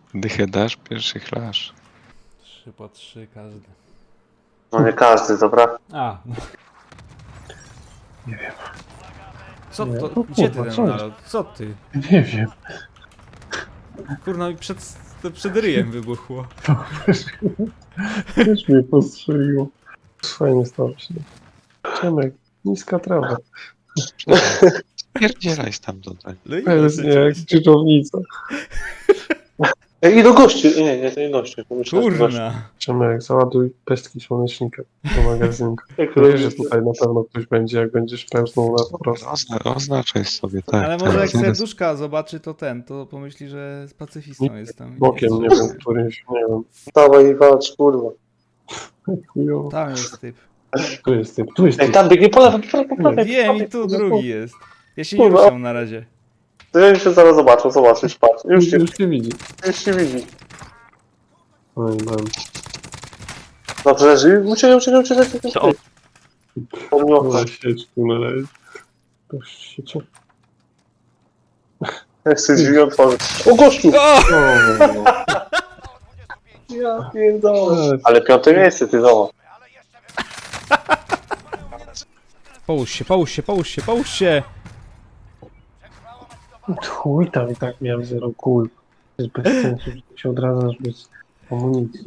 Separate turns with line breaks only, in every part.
Dychę dasz, pierwszy chlasz.
3 po 3 każdy.
No nie każdy, dobra?
A.
Nie wiem.
Co
Nie,
to?
to
Gdzie ty
kurwa,
ten
co jest?
nalot? Co ty?
Nie wiem.
Kurna mi przed ryjem wybuchło.
Też mnie postrzeliło. Fajnie stało się. Czemek, niska trawa.
Pierdzielaj stamtąd.
No i
Pewnie jak dżdżownica.
Ej, i do gości. Nie, to nie gości. Pomyślałem, że gości.
kurna.
Czemek, załaduj pestki słonecznika do magazynku.
Jak
Wiesz, że
robisz-
tutaj na pewno ktoś będzie, jak będziesz pełznął na po prostu.
Oznaczaj sobie, tak.
Ale
tak.
może jak
Zaraz-
serduszka zobaczy to pomyśli, że z pacyfistą jestem.
Bokiem, nie wiem, którymś, nie wiem.
Dawaj i walcz, kurwa.
Chujowo.
Tam jest typ.
Tu jest typ, tu jest
Ej,
typ.
tam biegnie po lewo, po prawej.
Wiem i tu drugi jest. Ja się nie
Kurwa.
ruszam na razie.
To ja się zaraz zobaczysz, patrz. Już
Cię widzi.
się widzi.
Oj, mam.
Dobrze, żyj. Uciekaj.
Co?
Po mnie okno.
Na sieczku na razie. To siecie.
Jak sobie drzwi otworzyć. O, gościu!
O!
Ja pierdolę. Ale piąte miejsce, ty zobacz.
Połóż się!
Chuj tam i tak miałem 0 kul. To jest bez sensu, że się odradzasz bez amunicji.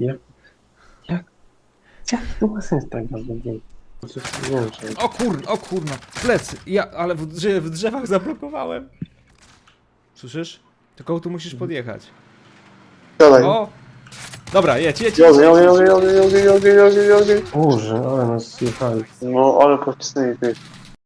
Jak to ma sens tak naprawdę? Nie wiem, czy...
O kurna, plecy. Ale w drzewach zablokowałem. Słyszysz? Tylko tu musisz podjechać.
Siadaj.
O! Dobra, jedź.
Jogi.
Boże, ale nas zjechali.
No, ale pocisnęli ty.